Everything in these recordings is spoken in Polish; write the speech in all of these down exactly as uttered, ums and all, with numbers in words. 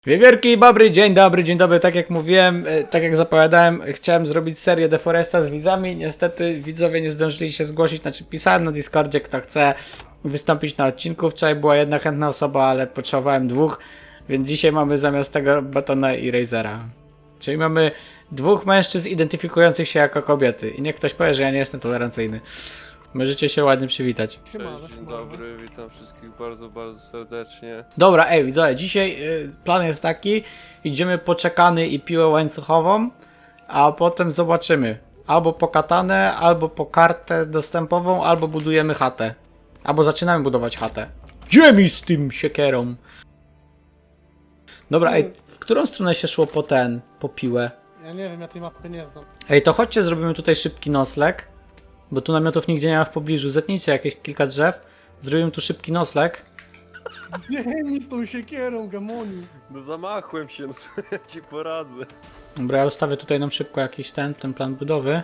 Wiewiórki, dobry, dzień dobry, dzień dobry, tak jak mówiłem, tak jak zapowiadałem, chciałem zrobić serię Deforesta z widzami, niestety widzowie nie zdążyli się zgłosić, znaczy pisałem na Discordzie, kto chce wystąpić na odcinku, wczoraj była jedna chętna osoba, ale potrzebowałem dwóch, więc dzisiaj mamy zamiast tego Batona i Razera. Czyli mamy dwóch mężczyzn identyfikujących się jako kobiety i niech ktoś powie, że ja nie jestem tolerancyjny. Możecie się ładnie przywitać. Cześć, dzień dobry, witam wszystkich bardzo, bardzo serdecznie. Dobra, ej, widzowie, dzisiaj y, plan jest taki, idziemy po czekany i piłę łańcuchową, a potem zobaczymy. Albo po katanę, albo po kartę dostępową, albo budujemy chatę. Albo zaczynamy budować chatę. Gdzie mi z tym siekierą? Dobra, ej, w którą stronę się szło po ten, po piłę? Ja nie wiem, ja tej mapy nie znam. Ej, to chodźcie, zrobimy tutaj szybki nocleg, bo tu namiotów nigdzie nie ma w pobliżu. Zetnijcie jakieś kilka drzew, zrobimy tu szybki nocleg. Nie mi z tą siekierą, gamoni. No zamachłem się, no co ja ci poradzę. Dobra, ja ustawię tutaj nam szybko jakiś ten, ten plan budowy.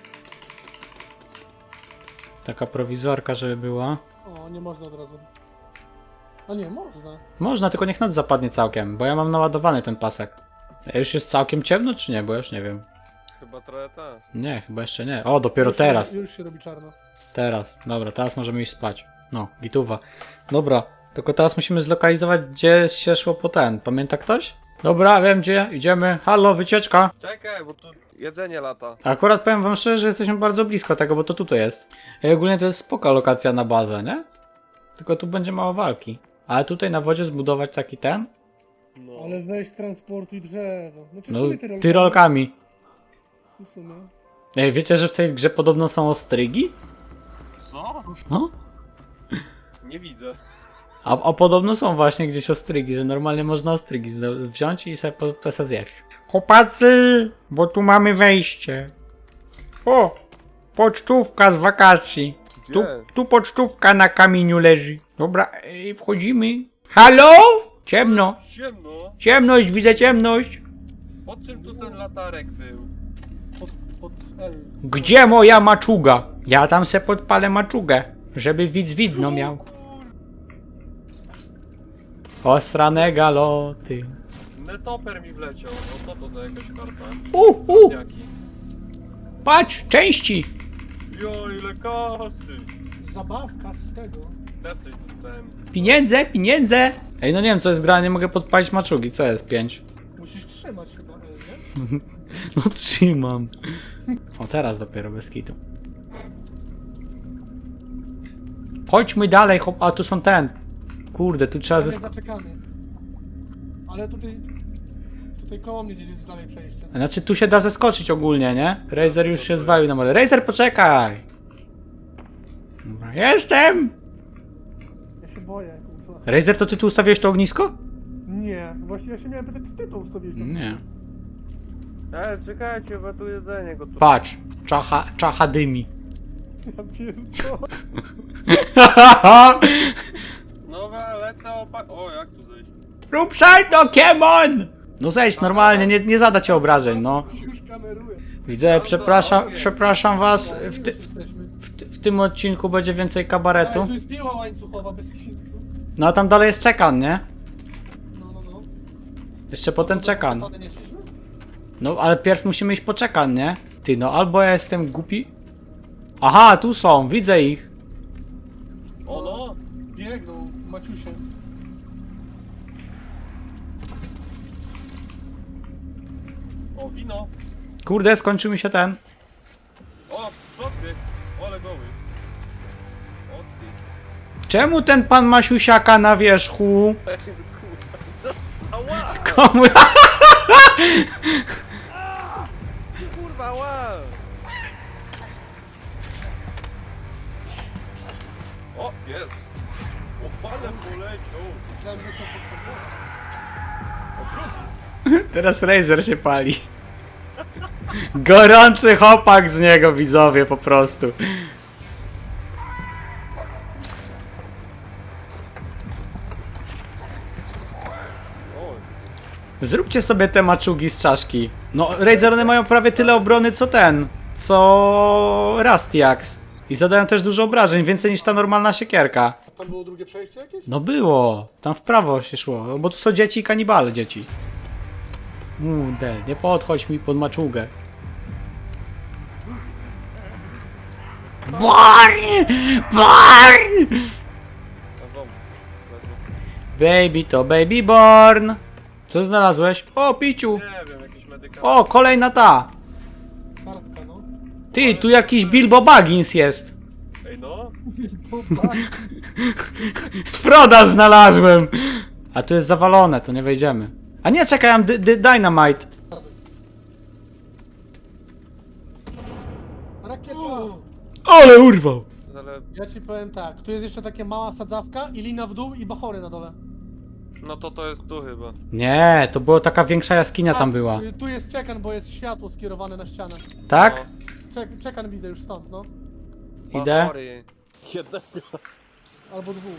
Taka prowizorka, żeby była. O, nie można od razu. A nie, można. Można, tylko niech noc zapadnie całkiem, bo ja mam naładowany ten pasek. A już jest całkiem ciemno, czy nie? Bo ja już nie wiem. Chyba trochę tak. Nie, chyba jeszcze nie. O, dopiero już teraz. Się, już się robi czarno. Teraz. Dobra, teraz możemy iść spać. No, gituwa. Dobra, tylko teraz musimy zlokalizować, gdzie się szło po ten. Pamięta ktoś? Dobra, wiem gdzie. Idziemy. Halo, wycieczka. Czekaj, bo tu jedzenie lata. Akurat powiem wam szczerze, że jesteśmy bardzo blisko tego, bo to tutaj jest. I ogólnie to jest spoko lokacja na bazę, nie? Tylko tu będzie mało walki. Ale tutaj na wodzie zbudować taki ten? No. Ale weź transportuj drzewo. Znaczy No, w sumie tyrolkami. tyrolkami. W sumie. Ej, wiecie, że w tej grze podobno są ostrygi? Co? No. Nie widzę. A, a podobno są właśnie gdzieś ostrygi, że normalnie można ostrygi z- wziąć i sobie po, po sobie zjeść. Chłopacy, bo tu mamy wejście. O, pocztówka z wakacji. Tu, Gdzie? tu pocztówka na kamieniu leży. Dobra, ej, wchodzimy. Halo? Ciemno. Ciemno. Ciemność, widzę ciemność. Po czym tu ten latarek był? Pod, pod L. Gdzie moja maczuga? Ja tam se podpalę maczugę, żeby widz widno miał. Osrane galoty. Netoper mi wleciał. No co to za jakaś karta? U, u, Jaki? patrz, części. Jo, ile kasy. Zabawka z tego. Też coś dostałem. Pieniądze, pieniądze. Ej, no nie wiem co jest gra, nie mogę podpalić maczugi, co jest pięć? Musisz trzymać chyba, L, nie? No trzymam. O, teraz dopiero bez kitu. Chodźmy dalej, chłop... A tu są ten. Kurde, tu trzeba Tam jest zysk... zaczekany. Ale tutaj... Tutaj koło mnie gdzieś jest dalej przejście. Znaczy tu się da zeskoczyć ogólnie, nie? Razer już się zwalił na mole. Razer, poczekaj! Dobra, jestem! Ja się boję, kurwa. Razer, to ty tu ustawiłeś to ognisko? Nie, właśnie ja się miałem pytać, czy ty to ustawiłeś. tam. Nie. Ej, czekajcie, bo tu jedzenie gotowe. Patrz, czacha, czacha dymi. Ja pierdolę. Dobra, lecę opa... O, jak tu zejść? Rób salto, Kiemon! No zejdź normalnie, nie, nie zada cię obrażeń, no. Już kameruję. Widzę, przepraszam, przepraszam was, w, ty, w, Jesteśmy. w, w tym odcinku będzie więcej Ale kabaretu. tu jest piła łańcuchowa bez kitu. No a tam dalej jest czekan, nie? No, no, no. Jeszcze potem czekan. Tony nie szliśmy? No ale pierw musimy iść po czekan, nie? Ty, no albo ja jestem głupi. Aha, tu są, widzę ich. O no! Biegną, Maciusie. O, wino! Kurde, skończył mi się ten. O, podbieg! Ole goły! O ty! Czemu ten pan ma siusiaka na wierzchu? Ała! Komu... Kurwa, ła! O, jest! O, ale poleciał! Myślałem, że są pod O, drugi! Teraz Razer się pali. Gorący chłopak z niego, widzowie, po prostu. O, Zróbcie sobie te maczugi z czaszki. No, Razer, one mają prawie tyle obrony co ten. Co Rusty Axe. I zadają też dużo obrażeń, więcej niż ta normalna siekierka. A tam było drugie przejście jakieś? No było, tam w prawo się szło, bo tu są dzieci i kanibale dzieci. Kurde, nie podchodź mi pod maczugę. Born! Born! A wam. Baby to baby born. Co znalazłeś? O, piciu. Nie wiem, jakiś medykament. O, kolejna ta. Kartka, no. Ty, tu jakiś Bilbo Baggins jest. Ej no, Froda znalazłem. A tu jest zawalone, to nie wejdziemy. A nie, czekaj, mam dy- dy- dynamite. Rakieta! Ale urwał. ale... Ja ci powiem tak, tu jest jeszcze taka mała sadzawka i lina w dół i bachory na dole. No to to jest tu chyba. Nie, to była taka większa jaskinia tam A, była. y, Tu jest czekan, bo jest światło skierowane na ścianę. Tak? Czek czekan widzę już stąd, no. Idę. Bachory. Jednego. Albo dwóch.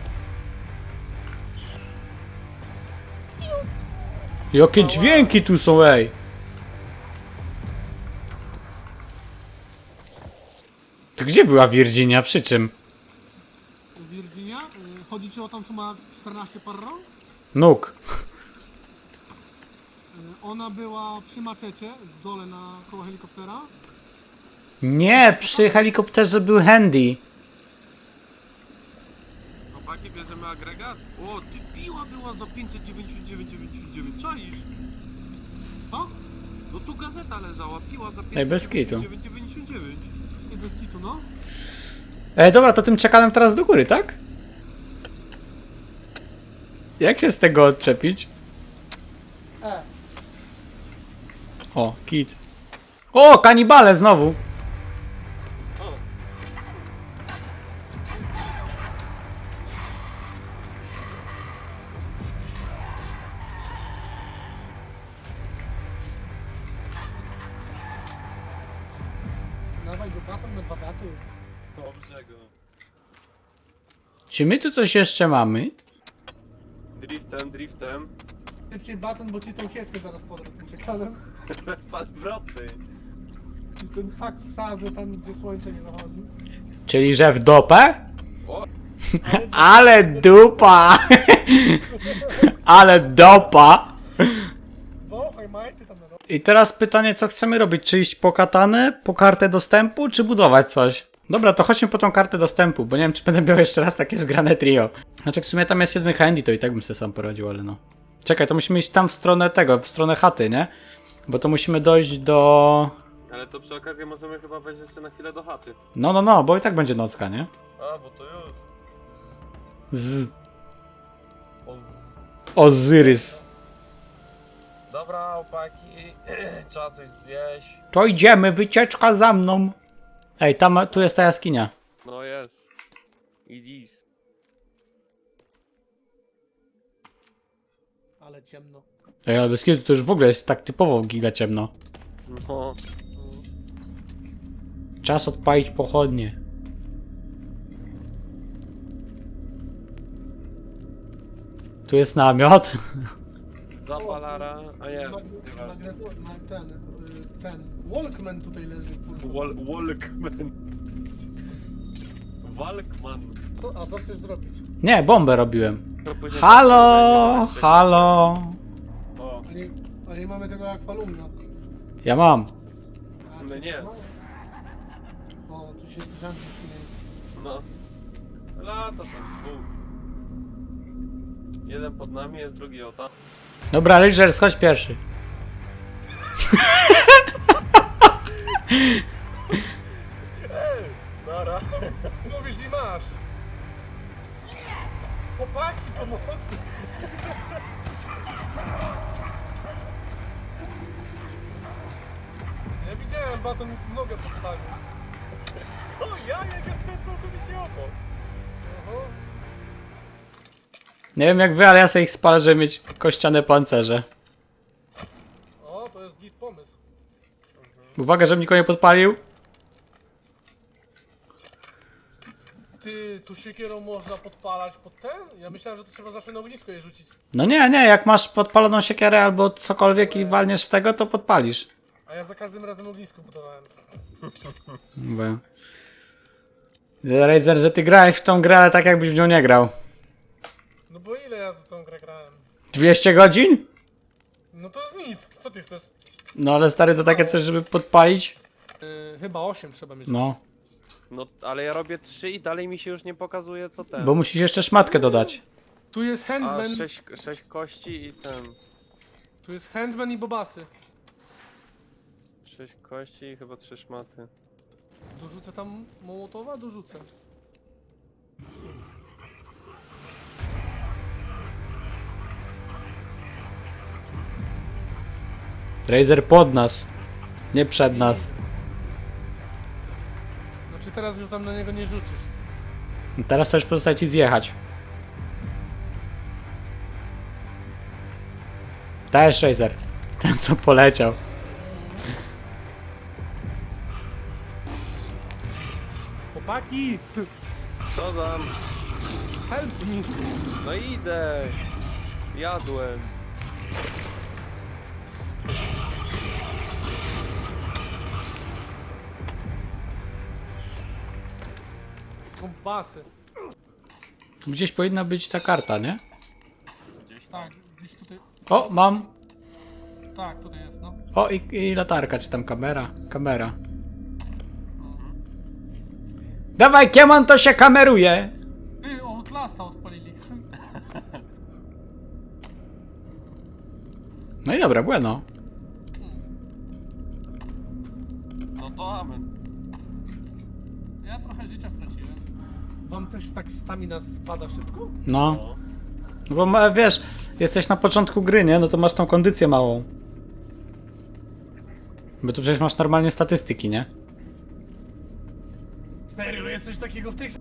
Jakie dźwięki tu są, ej. To gdzie była Virginia? Przy czym? Virginia? Y, Chodzi ci o tą, co ma czternaście par rąk? Nóg. Y, Ona była przy maczecie, w dole na koło helikoptera. Nie, przy helikopterze był Handy. Chłopaki, bierzemy agregat? O, ty piła była za pięćset dziewięćdziesiąt dziewięć dziewięćdziesiąt dziewięć, czaisz? Co? No tu gazeta leżała, piła za Ej, bez pięćset kitu. dziewięćdziesiąt dziewięć dziewięćdziesiąt dziewięć. I bez kitu, no. E, dobra, to tym czekanem teraz do góry, tak? Jak się z tego odczepić? E, O, kit. O, kanibale znowu. dawaj go batem na dwa baty. Dobrze go. Czy my tu coś jeszcze mamy? Driftem, driftem. Szybciej baton, bo ci tą kieckę zaraz podam tym czekanem. Pan wroty. Ci ten hak wsadzę tam, gdzie słońce nie zachodzi. Czyli, że w dopę? O, Ale dupa! Ale dopa! Bo, oj majty tam na dole. I teraz pytanie, co chcemy robić? Czy iść po katanę, po kartę dostępu, czy budować coś? Dobra, to chodźmy po tą kartę dostępu, bo nie wiem, czy będę miał jeszcze raz takie zgrane trio. Znaczy, w sumie tam jest jeden handy, to i tak bym sobie sam poradził, ale no. Czekaj, to musimy iść tam w stronę tego, w stronę chaty, nie? Bo to musimy dojść do... ale to przy okazji możemy chyba wejść jeszcze na chwilę do chaty. No, no, no, bo i tak będzie nocka, nie? A, bo to już. Z... O, z... Ozyrys. Dobra, opaki. Trzeba coś zjeść. To idziemy, wycieczka za mną. Ej, tam, tu jest ta jaskinia. No jest. I dziś. Ale ciemno. Ej, ale bez kitu to już w ogóle jest tak typowo giga ciemno. No. Czas odpalić pochodnie. Tu jest namiot. Zapalara. A nie, Mag- nieważne. magneto- ma- ten, y, ten. Walkman tutaj leży, kurwa. Wal Walkman. Walkman. Co- A co chcesz zrobić? Nie, bombę robiłem. To później- Halo, halo. O, A nie, a nie mamy tego akwalumna. Ja mam. A, No nie. O, tu się zamknie. no. Lata tam dwóch. Jeden pod nami jest, drugi o tam. Dobra, Rangers, chodź pierwszy. Nara. Mówisz, nie masz! Chłopaki, pomocy! Ja widziałem, baton nogę podstawił. Co ja? Jak jestem całkowicie obok. Oho. Nie wiem jak wy, ale ja sobie ich spalę, żeby mieć kościane pancerze. O, to jest git pomysł. Uwaga, żebym nikogo nie podpalił. Ty, tu siekierą można podpalać pod ten? Ja myślałem, że to trzeba zawsze na ognisko je rzucić. No nie, nie, jak masz podpaloną siekierę albo cokolwiek i walniesz w tego, to podpalisz. A ja za każdym razem ognisko budowałem. Bo... Razer, że ty grałeś w tą grę, ale tak jakbyś w nią nie grał. No bo ile ja w tą grę grałem? dwieście godzin? No to jest nic, co ty chcesz? No ale stary, to takie coś, żeby podpalić? Yy, chyba osiem trzeba mieć. No. No, ale ja robię trzy i dalej mi się już nie pokazuje co ten. Bo musisz jeszcze szmatkę dodać. Tu jest A, handman, sześć, sześć kości i ten... tu jest handman i bobasy. Sześć kości i chyba trzy szmaty. Dorzucę tam Mołotowa? Dorzucę. Razer pod nas. Nie przed nas. Znaczy teraz już tam na niego nie rzucisz. Teraz to już pozostaje ci zjechać. Dajesz Razer. Ten co poleciał. Chłopaki! Co tam? Help me! No idę! Jadłem. Bobasy. Tu gdzieś powinna być ta karta, nie? Tak, gdzieś tutaj. O, mam. Tak, tutaj jest, no. O, i, i latarka, czy tam kamera? Kamera. Dawaj, Kiemon, to się kameruje! Ty, Outlasta odpalili. No i dobra, bueno. No to amen. Ja trochę życia straciłem. Wam też tak stamina spada szybko? No. No bo ma- wiesz, jesteś na początku gry, nie? No to masz tą kondycję małą. Bo tu przecież masz normalnie statystyki, nie? Serio, jest coś takiego w tych...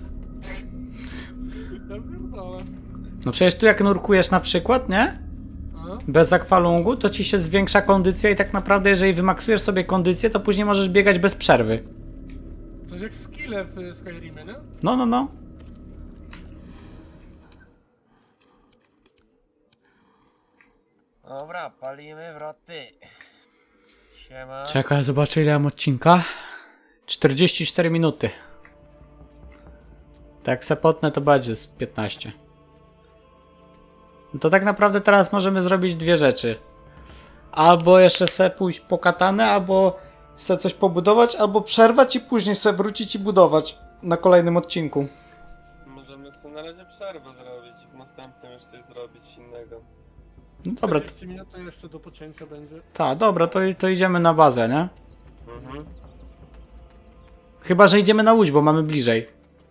Ja pierdolę. No przecież tu jak nurkujesz na przykład, nie? A? Bez akwalungu, to ci się zwiększa kondycja i tak naprawdę jeżeli wymaksujesz sobie kondycję, to później możesz biegać bez przerwy. Coś jak skille w Skyrimie, nie? No, no, no. Dobra, palimy wroty. Siema. Czekaj, zobaczę ile mam odcinka. czterdzieści cztery minuty. Tak se potnę, to będzie z piętnaście. No to tak naprawdę teraz możemy zrobić dwie rzeczy. Albo jeszcze se pójść po katanę, albo se coś pobudować, albo przerwać i później se wrócić i budować na kolejnym odcinku. Możemy sobie na razie przerwę zrobić i w następnym już coś zrobić innego. No dobra, t- czterdzieści minut to jeszcze do pocięcia będzie. ta, dobra, to, to idziemy na bazę, nie? Mhm. Chyba, że idziemy na łódź, bo mamy bliżej.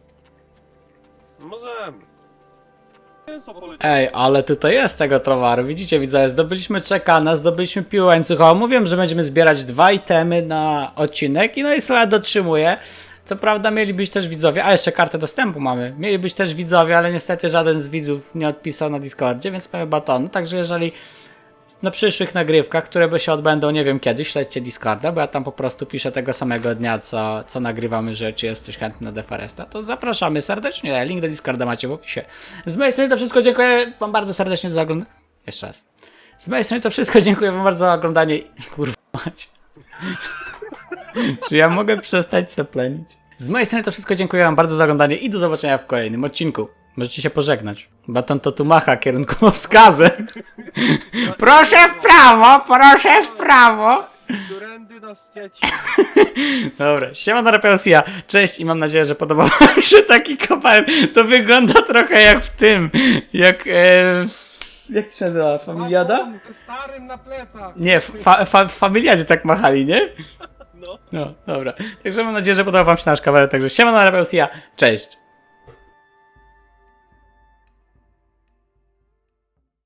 Możemy. Co poleci? Ej, ale tutaj jest tego towaru, widzicie widzowie, zdobyliśmy czekana, zdobyliśmy piłę łańcuchową, mówiłem, że będziemy zbierać dwa itemy na odcinek i no i Sola dotrzymuje. Co prawda mieli być też widzowie, a jeszcze kartę dostępu mamy, mieli być też widzowie, ale niestety żaden z widzów nie odpisał na Discordzie, więc mamy baton, także jeżeli na przyszłych nagrywkach, które by się odbędą nie wiem kiedy, śledźcie Discorda, bo ja tam po prostu piszę tego samego dnia, co, co nagrywamy, że czy jesteś chętny na Deforesta, to zapraszamy serdecznie, link do Discorda macie w opisie. Z mojej strony to wszystko, dziękuję wam bardzo serdecznie za oglądanie. Jeszcze raz. Z mojej strony to wszystko, dziękuję wam bardzo za oglądanie. Kurwa mać. Czy ja mogę przestać seplenić? Z mojej strony to wszystko, dziękuję wam bardzo za oglądanie i do zobaczenia w kolejnym odcinku. Możecie się pożegnać. Baton to tu macha kierunkowskazem. Proszę w prawo, proszę w prawo. Którędy nas dzieci? Dobra, siema na Repelsia, cześć i mam nadzieję, że podobał wam się taki kopalń. To wygląda trochę jak w tym, jak... E, jak to się nazywa? Familiada? Baton ze starym na plecach! Nie, w fa, fa, w Familiadzie tak machali, nie? No. No, dobra. Także mam nadzieję, że podobał wam się nasz kabaret, także siema na Repelsia, cześć.